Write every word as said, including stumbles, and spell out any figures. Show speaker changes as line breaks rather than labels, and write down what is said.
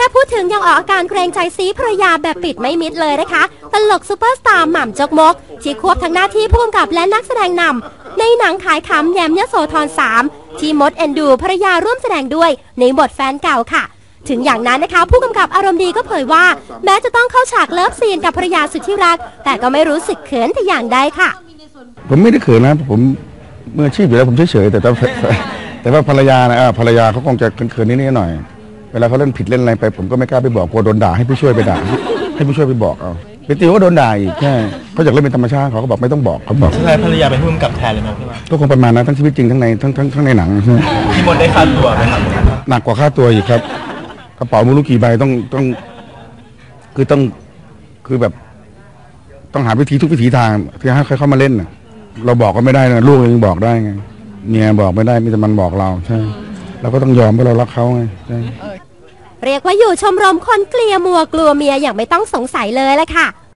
พูดถึงยังออกอาการเกรงใจซีภรรยาแบบปิดไม่มิดเลยนะคะตลกซูเปอร์สตาร์หม่ำจกมกที่ควบทั้งหน้าที่ผู้กำกับและนักแสดงนำในหนังขายขำแยมยโสธรสามที่มดเอ็นดูภรรยาร่วมแสดงด้วยในบทแฟนเก่าค่ะถึงอย่างนั้นนะคะผู้กำกับอารมณ์ดีก็เผยว่าแม้จะต้องเข้าฉากเลิฟซีนกับภรรยาสุดที่รักแต่ก็ไม่รู้สึกเขินแต่อย่างใดค่ะ
ผมไม่ได้เขินนะผมมืออาชีพอยู่แล้วผมเฉยๆแต่แต่แต่ว่าภรรยานะภรรยาเขาคงจะเขินๆนิดๆหน่อยเวลาเขาเล่นผิดเล่นอะไรไปผมก็ไม่กล้าไปบอกกลัวโดนด่าให้ผู้ช่วยไปด่าให้ผู้ช่วยไปบอกเอาเป็นติวก็โดนด่าอีกแค่เขาอยากเล่นเป็นธรรมชาติเขาก็บอกไม่ต้องบอกเขาบอก
ใช่ภรรยาเป็นผู้กำกับแทนเลยไหมพี่ว่า
ก็คงประมาณนั้นทั้งชีวิตจริงทั้งในทั้งทั้งทั้งในหนังใช่ไหม
พี่มดได้ค่าตัวไหมครับ
หนักกว่าค่าตัวอีกครับกระเป๋ามูลกี่ใบต้องต้องคือต้องคือแบบต้องหาวิธีทุกวิถีทางที่ให้เขามาเล่นน่ะเราบอกก็ไม่ได้นะลูกยังบอกได้ไงเมียบอกไม่ได้มีแต่มันบอกเราใช่เราก็ต้องยอมเพราะเรารักเขาไงใช่
เรียกว่าอยู่ชมรมคนเกลียมัวกลัวเมียอย่างไม่ต้องสงสัยเลยแหละค่ะ